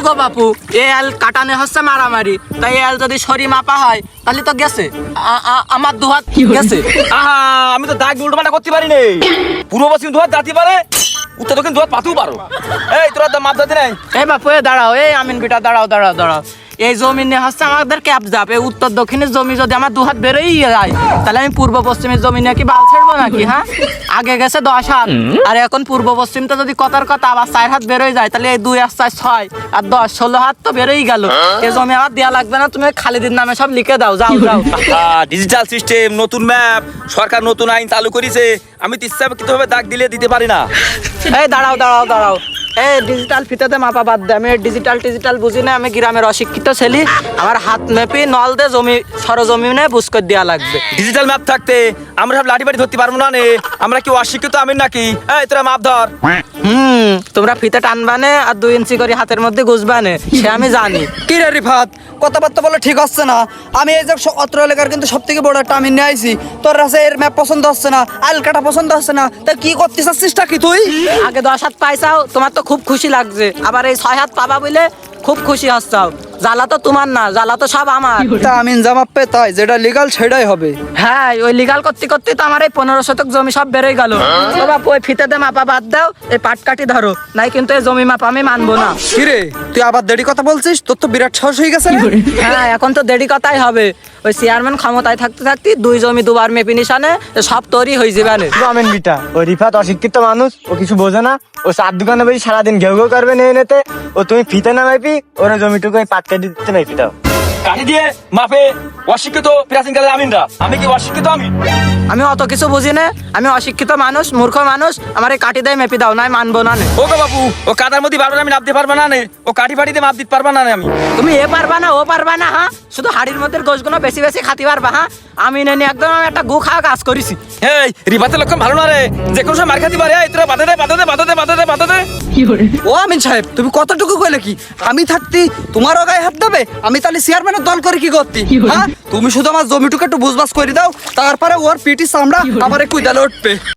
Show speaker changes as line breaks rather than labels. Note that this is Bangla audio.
দেখো বাপু, এই আল কাটানে হচ্ছে মারামারি, তাই এই আল যদি সরি মাপা হয় তাহলে তো গেছে। আমার দুহাত গেছে।
আহা, আমি তো দাগ উল্টো পাল্টা করতে পারি নে। পূর্ব পশ্চিম দুহাত দাঁতি পারে, উত্তর দক্ষিণ দুহাত পাতেও পারো। এই তোরা মাপ দাঁতি নাই।
এই বাপু এ দাঁড়াও, এই আমিন বিটা দাঁড়াও দাঁড়াও দাঁড়াও। এই জমি নিয়ে হচ্ছে আমাদের ক্যাপ যাবে। উত্তর দক্ষিণের জমি যদি আমার দুহাত বেরোই যায় তাহলে আমি পূর্ব পশ্চিমের জমি নিয়ে কি বাল ছাড়বো নাকি? হ্যাঁ, আগে গেছে 10 হাত, আর এখন পূর্ব পশ্চিমটা যদি কথার কথা আবার 4 হাত বেরোয় যায় তাহলে এই 2 আর 4 6 আর 10 16 হাত তো বেরোই গেল। এই জমি আমার দেয়া লাগবে না, তুমি খালিদের নামে সব লিখে দাও, যাও যাও।
ডিজিটাল সিস্টেম, নতুন ম্যাপ, সরকার নতুন আইন চালু করেছে। আমি তো ইচ্ছাকৃতভাবে দাগ দিতে পারি না।
এই দাঁড়াও দাঁড়াও দাঁড়াও, এই ডিজিটাল ফিতাতে মাপা বাদ দে। আমি ডিজিটাল বুঝি না, আমি গ্রামের অশিক্ষিত ছেলে। আমার হাত মেপি নল দে জমি সরজমিনে বুঝ করে দেওয়া লাগবে।
ডিজিটাল ম্যাপ থাকতে আমরা সব লাঠি বাড়ি ধরতে পারবো না নে। আমরা কি অশিক্ষিত আমি নাকি? এই তোরা মাপ ধর।
তোমরা ফিতে টানবানে আর 2 ইঞ্চি করে হাতের মধ্যে গুজবানে, সে আমি জানি।
কি রে রিফাত, কথাবার্তা বলে ঠিক হচ্ছে না। আমি এই যে অত্র এলাকার কিন্তু সব থেকে বড় একটা আমি নিয়ে আইছি। তোর কাছে এর ম্যাপ পছন্দ হচ্ছে না, আলকাটা পছন্দ হচ্ছে না, তা কি করতে চাচ্ছিসটা কি তুই?
আগে 10 হাত পাইছাও, তোমার তো খুব খুশি লাগছে। আবার এই 6 হাত পাবা বলে খুব খুশি হচ্ছাও। জ্বালা তো তোমার না, জ্বালা তো সব আমার।
তা আমিন জামাপ পে তাই যেটা লিগাল সেটাই হবে।
হ্যাঁ, ওই লিগাল করতে করতে তো আমার এই 15 শতক জমি সব বেরোয় গেল। ও বাপু, ওই ফিতেতে মাপা বাদ দাও, এই পাট কাটি ধরো, নাই কিন্তু এই জমি মাপা আমি মানবো না।
কি রে, তুই আবার দেরি কথা বলছিস? তোর তো বিরাট সাহস হয়ে গেছে রে।
হ্যাঁ, এখন তো দেরি কথাই হবে। ওই চেয়ারম্যান ক্ষমতায় থাকতে থাকতে 2 জমি 2 বার মেপি নিশানে সব তৈরি হয়ে যাবে।
আমেন বিটা, ও রিফাত অশিক্ষিত মানুষ, ও কিছু বোঝে না। ও 4 দোকানে বসে সারাদিন ঘেউ ঘেউ করবে নেতে। ও তুমি ফিতে না মাইপি, ওরা জমিটুকু পাট কেটে দিতে মাইপি দাও।
কাঠি দিয়ে মাপে অশিক্ষিত প্রাচীনকালের আমিনরা। আমি কি অশিক্ষিত?
আমি অত কিছু বুঝি না, আমি অশিক্ষিত মানুষ, মূর্খ মানুষ। আমার এই কাটি দিয়ে মেপি দাও, নাই মানবো না।
ও গো বাবু, ও কাদার মধ্যে বারবার আমি নামতে পারবো না নে। ও কাঠি ফাটি দিয়ে মাপ দিতে পারবা না নে আমি।
তুমি এ পারবা না, ও পারবা না। হ্যাঁ, শুধু হাড়ির মধ্যে গোশগুলো বেশি বেশি খাতি পারবা। হ্যাঁ, আমি নেনি একদম আমি একটা গু খাওয়া কাজ করেছি।
এই রিবাতের লক্ষণ ভালো না রে, যে কোনো সময় মার খাতি পারে। এই তোরা বাধা দে বাধা দে বাধা দে বাধা দে বাধা দে।
ও আমিন সাহেব, তুমি কতটুকু কইলে কি? আমি থাকতি তোমারও গায়ে হাত দেবে? আমি তাহলে চেয়ারম্যানের দল করে কি করতি? হ্যাঁ, তুমি শুধু আমার জমিটুকু একটু বুঝবাস করে দাও, তারপরে ওর পিটি চামড়া আমার কুইদালে উঠবে।